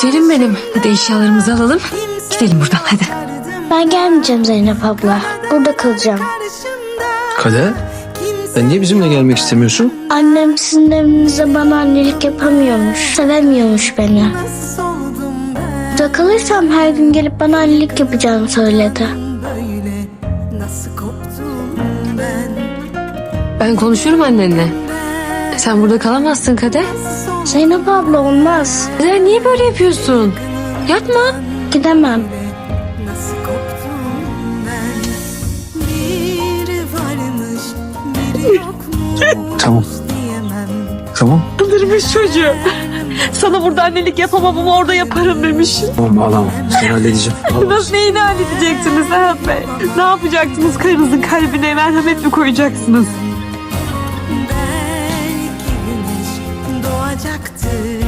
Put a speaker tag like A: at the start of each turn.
A: Güzelim benim. Hadi eşyalarımızı alalım. Gidelim buradan hadi.
B: Ben gelmeyeceğim Zeynep abla. Burada kalacağım.
C: Kader, sen niye bizimle gelmek istemiyorsun?
B: Annem sizin evinizde bana annelik yapamıyormuş. Sevemiyormuş beni. Burada kalırsam her gün gelip bana annelik yapacağını söyledi.
A: Ben konuşurum annenle. Sen burada kalamazsın Kader.
B: Zeynep abla olmaz.
A: Kader niye böyle yapıyorsun? Yapma.
B: Gidemem.
C: Tamam. Tamam.
A: Kandırmış çocuğu. Sana burada annelik yapamam ama orada yaparım demiş.
C: Tamam ağlama. Sen halledeceğim.
A: Nasıl neyini halledeceksiniz Serhat Bey? Ne yapacaksınız? Karınızın kalbine merhamet mi koyacaksınız?
D: Belki güneş doğacaktır.